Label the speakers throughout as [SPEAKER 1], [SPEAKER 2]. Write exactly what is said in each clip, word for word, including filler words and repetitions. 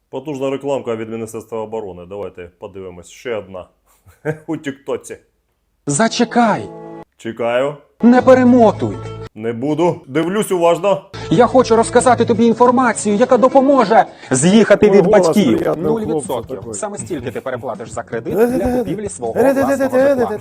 [SPEAKER 1] Потужна рекламка від Міністерства оборони. Давайте подивимось. Ще одна. У тіктоці.
[SPEAKER 2] Зачекай!
[SPEAKER 1] Чекаю.
[SPEAKER 2] Не перемотуй!
[SPEAKER 1] Не буду. Дивлюсь уважно.
[SPEAKER 2] Я хочу розказати тобі інформацію, яка допоможе з'їхати від
[SPEAKER 3] голос
[SPEAKER 2] батьків.
[SPEAKER 3] приятного
[SPEAKER 2] Нуль
[SPEAKER 3] хлопця
[SPEAKER 2] відсотків.
[SPEAKER 3] такий.
[SPEAKER 2] Саме стільки ти переплатиш за кредит для купівлі свого власного житла.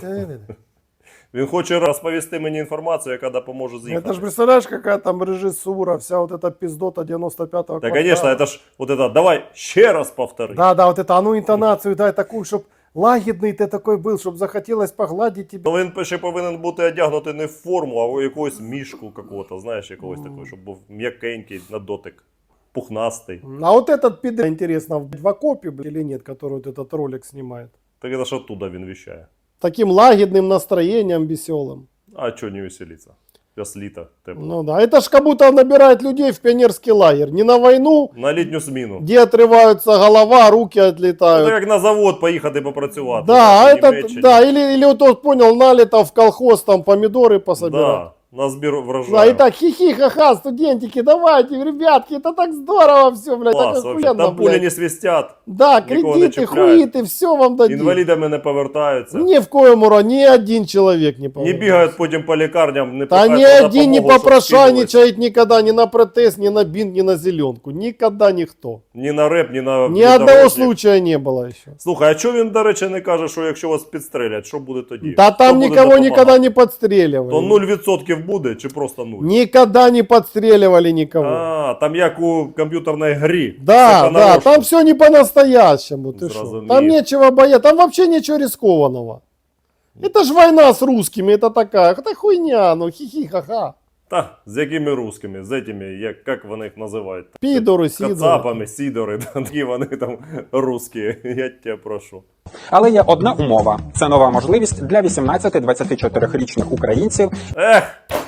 [SPEAKER 1] Він хоче розповісти мені інформацію, яка допоможе з'їхати.
[SPEAKER 3] Это ж представляешь, какая там режиссура, вся вот эта пиздота девяносто пятого
[SPEAKER 1] Та,
[SPEAKER 3] квартала.
[SPEAKER 1] звісно, це ж вот это, давай ще раз повтори.
[SPEAKER 3] Да, да, вот это, а ну интонацию дай такую, чтоб лагідний ти такой был, щоб захотілось погладить тебе.
[SPEAKER 1] Ну, він ще повинен бути одягнутий не в форму, а в якогось мішку какого-то, знаєш, якогось такого, щоб був м'якенький на дотик, пухнастий.
[SPEAKER 3] А вот этот пидор, интересно, в окопе блядь, или нет, который вот этот ролик снимает?
[SPEAKER 1] Так це ж оттуда він віщає.
[SPEAKER 3] Таким лагідним настроением веселым.
[SPEAKER 1] А чого не веселиться? Зараз літо, тепло.
[SPEAKER 3] Ну да, это ж как будто набирает людей в пионерский лагерь. Не на войну,
[SPEAKER 1] На літню зміну.
[SPEAKER 3] где отрываются голова, руки
[SPEAKER 1] Це
[SPEAKER 3] отлетают.
[SPEAKER 1] як на завод поїхати попрацювати.
[SPEAKER 3] Да, а
[SPEAKER 1] так, в
[SPEAKER 3] этот,
[SPEAKER 1] Німеччині.
[SPEAKER 3] да, или, или вот тот, понял, налито в колхоз, там помидоры пособирать.
[SPEAKER 1] Да, на збір врожаю.
[SPEAKER 3] Да, и так хихи, ха-ха, студентики, давайте, ребятки, это так здорово все, блядь,
[SPEAKER 1] Клас,
[SPEAKER 3] так
[SPEAKER 1] вообще.
[SPEAKER 3] охуенно,
[SPEAKER 1] Там пулі
[SPEAKER 3] блядь.
[SPEAKER 1] не свистять,
[SPEAKER 3] Да,
[SPEAKER 1] нікого не
[SPEAKER 3] кредиты,
[SPEAKER 1] чіпляють.
[SPEAKER 3] хуиты, все вам дадим.
[SPEAKER 1] інвалідами не повертаються.
[SPEAKER 3] Ни в коем разе, ни один человек не
[SPEAKER 1] Не
[SPEAKER 3] поможет.
[SPEAKER 1] бігають потім по лікарням, не
[SPEAKER 3] Да
[SPEAKER 1] просять
[SPEAKER 3] ни
[SPEAKER 1] про
[SPEAKER 3] один не
[SPEAKER 1] допомогу, щоб
[SPEAKER 3] попрошайничает никогда, ни на протез, ни на бинт, ни на зеленку. Никогда никто.
[SPEAKER 1] скинулись. Ні на реп, ні на
[SPEAKER 3] Ни одного
[SPEAKER 1] внедорожник.
[SPEAKER 3] случая не было еще.
[SPEAKER 1] Слухай, а чого він, до речі, не каже, що якщо вас підстрелять, що буде тоді?
[SPEAKER 3] Да
[SPEAKER 1] Хто
[SPEAKER 3] там
[SPEAKER 1] буде
[SPEAKER 3] никого
[SPEAKER 1] допомагати?
[SPEAKER 3] никогда не подстреливали.
[SPEAKER 1] То нуль відсотків буде чи просто нуль?
[SPEAKER 3] Никогда не подстреливали никого.
[SPEAKER 1] А, там як у комп'ютерній грі.
[SPEAKER 3] Да,
[SPEAKER 1] Все
[SPEAKER 3] да,
[SPEAKER 1] понарошку.
[SPEAKER 3] там все не по-настоящему. Ты шо?
[SPEAKER 1] Зразумею.
[SPEAKER 3] Там нечего бояться, там вообще ничего рискованного. Это ж война с русскими, это такая, это хуйня, ну хихи-ха-ха.
[SPEAKER 1] Та, з якими русскими, з этими, як, як вони їх називають?
[SPEAKER 3] Пидоры, сидоры.
[SPEAKER 1] Кацапами, сідори, такі вони там русські, я тебе прошу.
[SPEAKER 2] Але є одна умова. Це нова можливість для вісімнадцяти-двадцяти чотирирічних українців
[SPEAKER 1] Ех,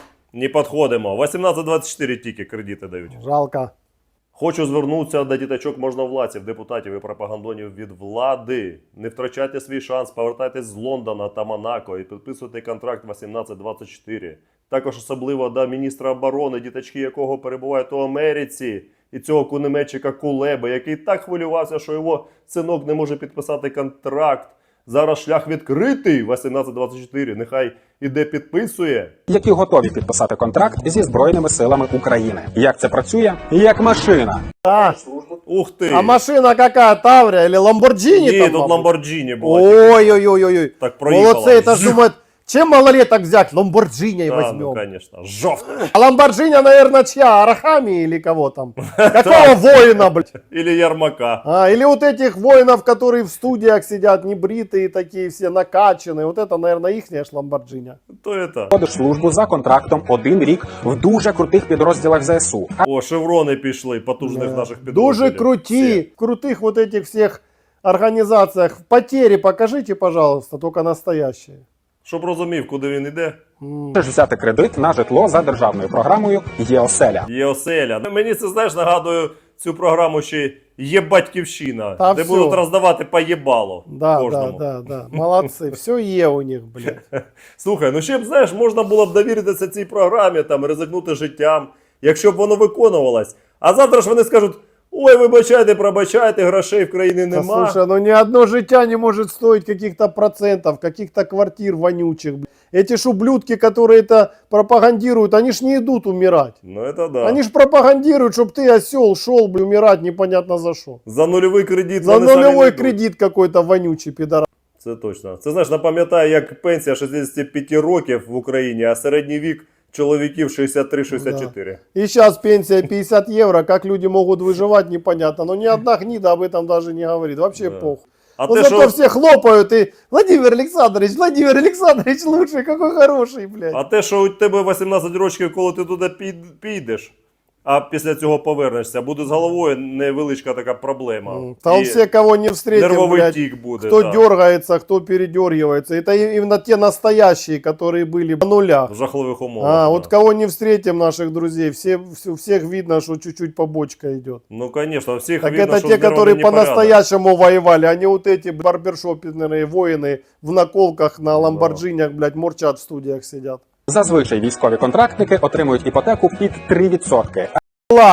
[SPEAKER 1] не підходимо, вісімнадцять двадцять чотири тільки кредити дають.
[SPEAKER 3] Жалко.
[SPEAKER 1] Хочу звернутися до діточок можновладців, депутатів і пропагандонів від влади. Не втрачайте свій шанс, повертайтесь з Лондона та Монако і підписуйте контракт вісімнадцять двадцять чотири. Також особливо до міністра оборони, діточки якого перебувають у Америці, і цього кунеметчика Кулеби, який так хвилювався, що його синок не може підписати контракт. Зараз шлях відкритий, вісімнадцять двадцять чотири, нехай іде підписує.
[SPEAKER 2] які готові підписати контракт зі Збройними силами України. Як це працює? Як машина.
[SPEAKER 3] А,
[SPEAKER 1] Ух ти!
[SPEAKER 3] а машина какая, Таврия или Ламборджини?
[SPEAKER 1] Ні,
[SPEAKER 3] там,
[SPEAKER 1] тут
[SPEAKER 3] мабуть?
[SPEAKER 1] Ламборджині була.
[SPEAKER 3] Ой-ой-ой-ой.
[SPEAKER 1] Так проїхала.
[SPEAKER 3] Молодцы, это ж думают, чем малолеток взять? Ламборджини
[SPEAKER 1] Та,
[SPEAKER 3] возьмем.
[SPEAKER 1] ну, конечно, жовто.
[SPEAKER 3] А Ламборджини, наверное, чья? Арахами или кого там? Какого воина, блядь?
[SPEAKER 1] Или Ярмака.
[SPEAKER 3] А, или вот этих воинов, которые в студиях сидят, небритые такие, все накачанные. Вот это, наверное, ихняя ж Ламборджини.
[SPEAKER 1] То это.
[SPEAKER 2] Ходиш службу за контрактом один рік в дуже крутих підрозділах ЗСУ. А
[SPEAKER 1] О, шеврони пішли потужних наших підрозділів.
[SPEAKER 3] Дуже круті, в крутих вот этих всех организациях. Потери покажите, пожалуйста, только настоящие.
[SPEAKER 1] Щоб розумів, куди він іде.
[SPEAKER 2] можеш взяти кредит на житло за державною програмою «Є-оселя».
[SPEAKER 1] Є оселя. Мені це, знаєш, нагадує цю програму ще «Є батьківщина»,
[SPEAKER 3] Та
[SPEAKER 1] де
[SPEAKER 3] всьо.
[SPEAKER 1] будуть роздавати по єбалу
[SPEAKER 3] Да, да,
[SPEAKER 1] кожному.
[SPEAKER 3] да, да. Молодцы. Все е у них, блядь.
[SPEAKER 1] Слухай, ну ще б, знаєш, можна було б довіритися цій програмі, там, ризикнути життям, якщо б воно виконувалось. А завтра ж вони скажуть: ой, вибачайте, пробачайте, грошей в країні
[SPEAKER 3] Да,
[SPEAKER 1] нема.
[SPEAKER 3] слушай, ну ни одно життя не может стоить каких-то процентов, каких-то квартир вонючих. блядь. Эти ж ублюдки, которые это пропагандируют, они ж не идут умирать.
[SPEAKER 1] Ну, это да.
[SPEAKER 3] Они ж пропагандируют, чтобы ты, осел, шел, блядь, умирать непонятно за что.
[SPEAKER 1] За нульовий кредит
[SPEAKER 3] За
[SPEAKER 1] вони самі не
[SPEAKER 3] нулевой
[SPEAKER 1] йдуть.
[SPEAKER 3] кредит какой-то вонючий пидорас.
[SPEAKER 1] Це точно. Це, знаєш, напам'ятає, як пенсія шістдесят п'ять років в Україні, а середній вік чоловіків шістдесят три шістдесят чотири.
[SPEAKER 3] И сейчас пенсия пятьдесят евро, как люди могут выживать, непонятно. Но ни одна гнида об этом даже не говорит. Вообще
[SPEAKER 1] Да.
[SPEAKER 3] похуй.
[SPEAKER 1] А
[SPEAKER 3] Но
[SPEAKER 1] те,
[SPEAKER 3] зато
[SPEAKER 1] що,
[SPEAKER 3] все хлопают и Владимир Александрович, Владимир Александрович лучший, какой хороший, блядь.
[SPEAKER 1] а те, що у тебе вісімнадцять років, коли ти туди під- підеш, а після цього повернешся, буде з головою невеличка така проблема.
[SPEAKER 3] Там
[SPEAKER 1] І
[SPEAKER 3] все, кого не встретим,
[SPEAKER 1] нервовий
[SPEAKER 3] блядь,
[SPEAKER 1] тік буде.
[SPEAKER 3] кто
[SPEAKER 1] да.
[SPEAKER 3] дергается, кто передергивается. Это и- именно те настоящие, которые были на нулях.
[SPEAKER 1] В жахливих умовах.
[SPEAKER 3] А,
[SPEAKER 1] да.
[SPEAKER 3] вот кого не встретим, наших друзей, все, все- у всех видно, что чуть-чуть побочка идет.
[SPEAKER 1] Ну, конечно, всіх
[SPEAKER 3] Так
[SPEAKER 1] видно,
[SPEAKER 3] это
[SPEAKER 1] що
[SPEAKER 3] те,
[SPEAKER 1] здоровий
[SPEAKER 3] которые
[SPEAKER 1] непорядок.
[SPEAKER 3] по-настоящему воевали, а не вот эти барбершопные воины в наколках на ламборджинях, блядь, мурчат в студиях сидят.
[SPEAKER 2] Зазвичай військові контрактники отримують іпотеку під три відсотки.
[SPEAKER 3] Класс!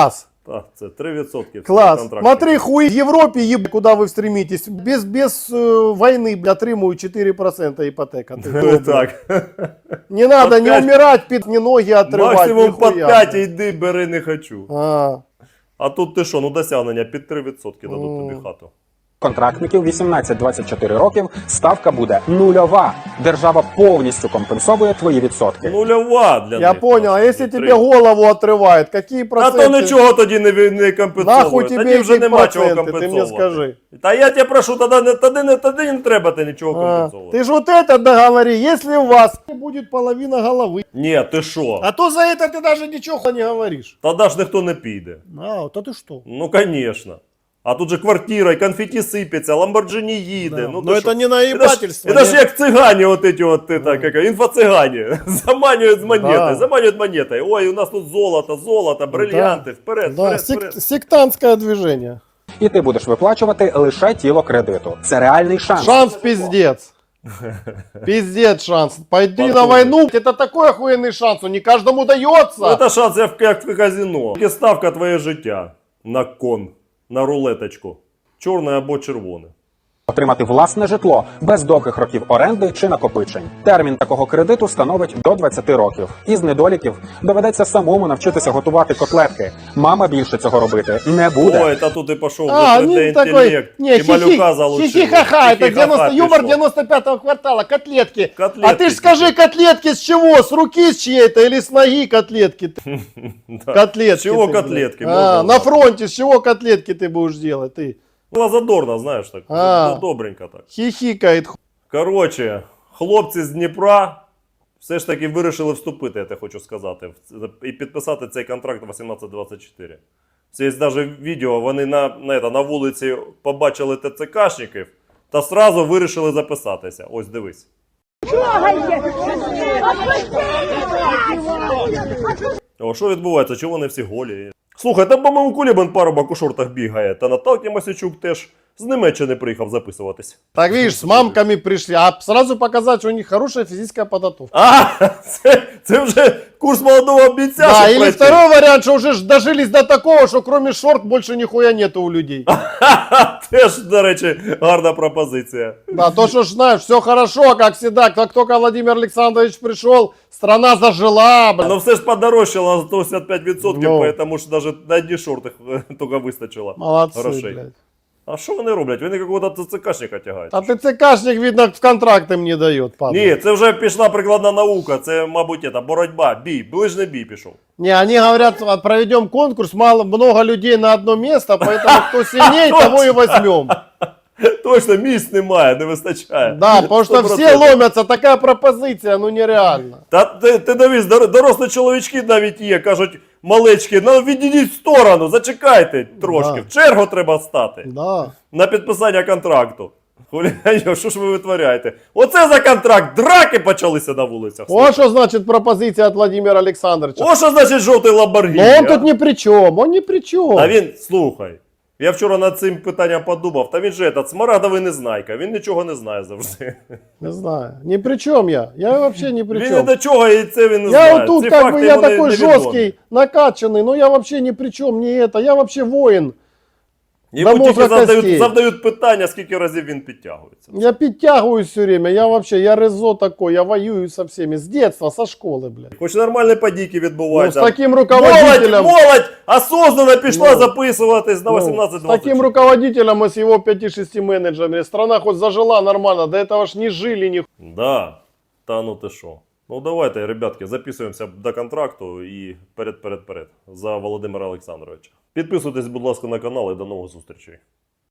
[SPEAKER 1] Так, це три відсотки.
[SPEAKER 3] Класс. Смотри, хуй в Европе, еб, куда вы стремитесь. Без, без э, войны, бля, отримую четыре процента ипотека. Ты кто, бля?
[SPEAKER 1] Так.
[SPEAKER 3] Не надо
[SPEAKER 1] По
[SPEAKER 3] не
[SPEAKER 1] пять.
[SPEAKER 3] умирать, пи- не ноги отрывать.
[SPEAKER 1] Максимум по
[SPEAKER 3] нихуя,
[SPEAKER 1] п'ять
[SPEAKER 3] бля.
[SPEAKER 1] йди, бери, не хочу.
[SPEAKER 3] А,
[SPEAKER 1] А тут ти що, ну досягнення під три відсотки дадуть
[SPEAKER 3] О.
[SPEAKER 1] тобі хату.
[SPEAKER 2] Контрактників вісімнадцять двадцять чотири років ставка буде нульова. Держава повністю компенсовує твої відсотки.
[SPEAKER 1] Нульова для
[SPEAKER 3] я
[SPEAKER 1] них.
[SPEAKER 3] понял, а
[SPEAKER 1] просто,
[SPEAKER 3] если
[SPEAKER 1] не
[SPEAKER 3] тебе
[SPEAKER 1] три.
[SPEAKER 3] голову отрывает, какие
[SPEAKER 1] А
[SPEAKER 3] проценты?
[SPEAKER 1] то нічого тоді не, ви- не компенсовує.
[SPEAKER 3] Нахуй
[SPEAKER 1] Тоді
[SPEAKER 3] тебе
[SPEAKER 1] вже
[SPEAKER 3] які
[SPEAKER 1] нема чого
[SPEAKER 3] проценти, ти мені
[SPEAKER 1] компенсовувати.
[SPEAKER 3] скажи.
[SPEAKER 1] Та я тебе прошу, тоді, не- тоді, не, тоді не треба ти нічого
[SPEAKER 3] А,
[SPEAKER 1] компенсовувати.
[SPEAKER 3] ты же вот это договори, если у вас будет половина головы.
[SPEAKER 1] Ні, ти що?
[SPEAKER 3] А то за это ты даже ничего не говоришь.
[SPEAKER 1] Тоді ж ніхто не піде.
[SPEAKER 3] А, то ты что?
[SPEAKER 1] Ну, звісно. А тут же квартира, і конфеті сипеться, ламборджині їде.
[SPEAKER 3] Да.
[SPEAKER 1] Ну,
[SPEAKER 3] Но
[SPEAKER 1] ти
[SPEAKER 3] это
[SPEAKER 1] що?
[SPEAKER 3] не наебательство.
[SPEAKER 1] Это ж
[SPEAKER 3] не-
[SPEAKER 1] як цигані, от эти от, это, как, інфо-цигані. Заманюють з монети,
[SPEAKER 3] Да.
[SPEAKER 1] заманюють монетой. Ой, у нас тут золото, золото, бриллианти, вперед,
[SPEAKER 3] Да,
[SPEAKER 1] вперед,
[SPEAKER 3] сек-
[SPEAKER 1] вперед.
[SPEAKER 3] сектантское движение.
[SPEAKER 2] І ти будеш виплачувати лише тіло кредиту. Це реальний шанс.
[SPEAKER 3] Шанс пиздец. Пиздец шанс. Пойди на
[SPEAKER 1] Подумай.
[SPEAKER 3] войну, это такой охуенный шанс, он не каждому дается.
[SPEAKER 1] Ну, це шанс, як, як в казино. Тільки ставка твоє життя на кон, на рулеточку. Чорне або червоне.
[SPEAKER 2] Отримати власне житло без довгих років оренди чи накопичень. Термін такого кредиту становить до двадцяти років. Із недоліків доведеться самому навчитися готувати котлетки. Мама більше цього робити не буде.
[SPEAKER 1] Ой, та тут і пішов
[SPEAKER 3] А,
[SPEAKER 1] вже
[SPEAKER 3] не
[SPEAKER 1] інтелект.
[SPEAKER 3] такой, не,
[SPEAKER 1] І малюка залучили.
[SPEAKER 3] хихи-ха-ха, это
[SPEAKER 1] Хихи-ха-ха
[SPEAKER 3] девяносто, юмор
[SPEAKER 1] пішов.
[SPEAKER 3] девяносто пятого квартала, котлетки.
[SPEAKER 1] Котлетки
[SPEAKER 3] А ты ж скажи, котлетки с чего? С руки с чьей-то или с ноги котлетки? ты?
[SPEAKER 1] Да.
[SPEAKER 3] Котлетки.
[SPEAKER 1] С чего
[SPEAKER 3] ты,
[SPEAKER 1] котлетки?
[SPEAKER 3] блядь.
[SPEAKER 1] Можно
[SPEAKER 3] А, на
[SPEAKER 1] знать.
[SPEAKER 3] фронте с чего котлетки ты будешь делать? Ты
[SPEAKER 1] Була задорна, знаєш, так.
[SPEAKER 3] А.
[SPEAKER 1] Ну, добренько так.
[SPEAKER 3] хихикает. ху-
[SPEAKER 1] Коротше, хлопці з Дніпра все ж таки вирішили вступити, я те хочу сказати, в- і підписати цей контракт вісімнадцять двадцять чотири. Це є навіть відео, вони на, на, це, на вулиці побачили ТЦКшників та сразу вирішили записатися. Ось дивись. О, що відбувається? Чого вони всі голі? Слухай, там, по-моєму, Кулібан парубок у шортах бігає, та Наталки Масячук теж з Німеччини приїхав записуватись.
[SPEAKER 3] Так видишь, с мамками пришли, а сразу показать, что у них хорошая физическая подготовка.
[SPEAKER 1] А, це, це вже курс молодого бійця.
[SPEAKER 3] Да,
[SPEAKER 1] щоб
[SPEAKER 3] или
[SPEAKER 1] пройти.
[SPEAKER 3] второй вариант, что уже ж дожились до такого, что кроме шорт больше нихуя нету у людей.
[SPEAKER 1] Ха-ха, теж, до речі, гарна пропозиція.
[SPEAKER 3] Да, то, что ж знаешь, все хорошо, как всегда. Как только Владимир Александрович пришел, страна зажила, блин.
[SPEAKER 1] Ну все ж подорожчало на сто сімдесят п'ять відсотків,
[SPEAKER 3] Ну.
[SPEAKER 1] поэтому ж навіть на одні шорти тільки вистачило.
[SPEAKER 3] Молодцы,
[SPEAKER 1] грошей.
[SPEAKER 3] блядь.
[SPEAKER 1] А що вони роблять? Вони якогось ЦЦКшника тягають.
[SPEAKER 3] А ТЦКшник, видно, в контракт им не дает, падла.
[SPEAKER 1] Ні, це вже пішла прикладна наука, це, мабуть, это, боротьба, бій, ближній бій пішов.
[SPEAKER 3] Не, они говорят, а, проведем конкурс, мало, много людей на одно место, поэтому кто сильнее, того и возьмем.
[SPEAKER 1] Точно, місць немає, не вистачає.
[SPEAKER 3] Да, потому что
[SPEAKER 1] сто
[SPEAKER 3] все
[SPEAKER 1] процентів.
[SPEAKER 3] ломятся, такая пропозиция, ну нереально.
[SPEAKER 1] Та ти, ти дивись, дор- дорослі чоловічки навіть є, кажуть, малечки, ну відійдіть в сторону, зачекайте трошки,
[SPEAKER 3] Да.
[SPEAKER 1] в чергу треба стати
[SPEAKER 3] Да.
[SPEAKER 1] на підписання контракту. Хуліганьо, що ж ви витворяєте? Оце за контракт, драки почалися на вулицях.
[SPEAKER 3] Вот что значит пропозиция от Владимира Александровича.
[SPEAKER 1] О, що значить жовтий Ламборгіні?
[SPEAKER 3] Но он
[SPEAKER 1] а?
[SPEAKER 3] тут ни при чем, он ни при чем.
[SPEAKER 1] А він, слухай, я вчора над цим питанням подумав, та він же этот, смарагдовий незнайка, він нічого не знає завжди.
[SPEAKER 3] Не знаю, ни при чем я, я вообще ни при
[SPEAKER 1] Він
[SPEAKER 3] чем.
[SPEAKER 1] ні до чого і це він не
[SPEAKER 3] Я
[SPEAKER 1] знає.
[SPEAKER 3] вот тут
[SPEAKER 1] Ці
[SPEAKER 3] как
[SPEAKER 1] факти
[SPEAKER 3] бы, я
[SPEAKER 1] йому не-
[SPEAKER 3] такой
[SPEAKER 1] невідомі.
[SPEAKER 3] жесткий, накачанный, но я вообще ни при чем, не это, я вообще воин.
[SPEAKER 1] Йому
[SPEAKER 3] до
[SPEAKER 1] тільки
[SPEAKER 3] мозга
[SPEAKER 1] завдають,
[SPEAKER 3] костей.
[SPEAKER 1] завдають питання, скільки разів він підтягується.
[SPEAKER 3] Я подтягиваюсь все время, я вообще, я резо такой, я воюю со всеми, с детства, со школы, блядь.
[SPEAKER 1] Хоч нормальні подійки
[SPEAKER 3] Ну,
[SPEAKER 1] відбуваються.
[SPEAKER 3] с таким
[SPEAKER 1] Молодь,
[SPEAKER 3] руководителем,
[SPEAKER 1] молодь осознанно пішла
[SPEAKER 3] Ну.
[SPEAKER 1] записуватись на
[SPEAKER 3] ну,
[SPEAKER 1] вісімнадцять
[SPEAKER 3] с
[SPEAKER 1] двадцять.
[SPEAKER 3] таким руководителем и с его пяти-шести менеджерами, страна хоть зажила нормально, до этого ж не жили, ни
[SPEAKER 1] Да, та ну ти що. Ну давайте, ребятки, записуємося до контракту і перед-перед-перед за Володимира Олександровича. Підписуйтесь, будь ласка, на канал і до нових зустрічей.